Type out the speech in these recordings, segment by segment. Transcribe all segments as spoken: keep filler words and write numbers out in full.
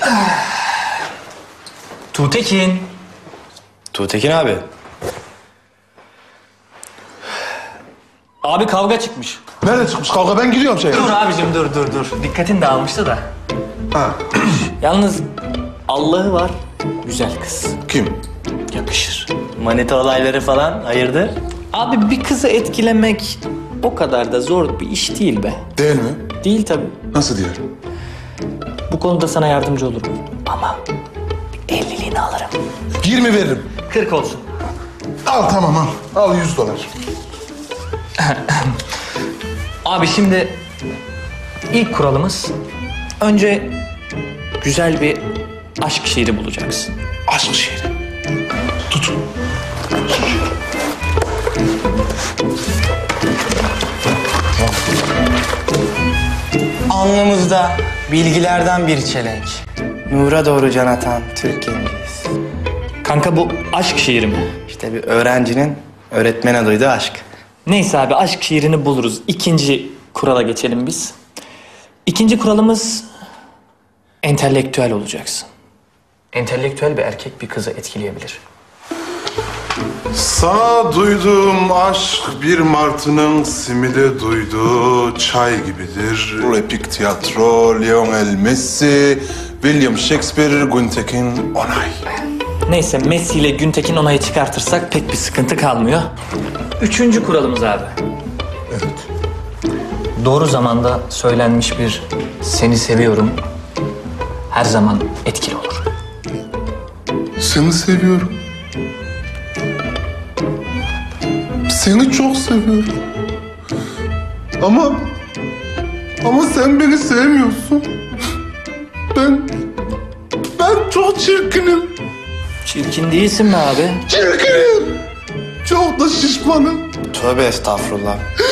Tuğtekin. Tuğtekin abi. Abi kavga çıkmış. Nerede çıkmış kavga? Ben gidiyorum şeye. Dur abicim dur dur dur. Dikkatin dağılmıştı da. Ha. Yalnız Allah'ı var güzel kız. Kim? Yakışır. Manita olayları falan hayırdır? Abi bir kızı etkilemek o kadar da zor bir iş değil be. Değil mi? Değil tabii. Nasıl diyor? Bu konuda sana yardımcı olurum. Ama elliliğini alırım. yirmi veririm. Kırk olsun. Al tamam al. Al yüz dolar. Abi şimdi ilk kuralımız önce güzel bir aşk şiiri bulacaksın. Aşk şiiri. Tut. Alnımızda bilgilerden bir çelenk. Nura doğru can atan Türk gençiyiz. Kanka bu aşk şiiri mi? İşte bir öğrencinin öğretmene duyduğu aşk. Neyse abi aşk şiirini buluruz. İkinci kurala geçelim biz. İkinci kuralımız entelektüel olacaksın. Entelektüel bir erkek bir kızı etkileyebilir. Sana duyduğum aşk bir martının simide duyduğu çay gibidir. Epik tiyatro, Lionel Messi, William Shakespeare, Güntekin Onay. Neyse Messi ile Güntekin Onay'ı çıkartırsak pek bir sıkıntı kalmıyor. Üçüncü kuralımız abi. Evet. Doğru zamanda söylenmiş bir seni seviyorum her zaman etkili olur. Seni seviyorum. Seni çok seviyorum. Ama... Ama sen beni sevmiyorsun. Ben... Ben çok çirkinim. Çirkin değilsin mi abi? Çirkinim. Çok da şişmanım. Tövbe estağfurullah.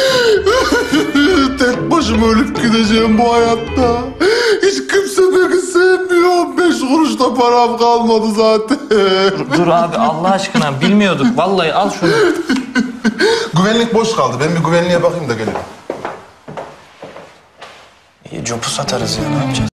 Tek başıma ölüp gideceğim bu hayatta. Hiç kimse beni sevmiyor. Beş kuruş da param kalmadı zaten. Dur abi Allah aşkına bilmiyorduk. Vallahi al şunu. Güvenlik boş kaldı. Ben bir güvenliğe bakayım da gelirim. İyi, copu satarız ya, ne yapacağız?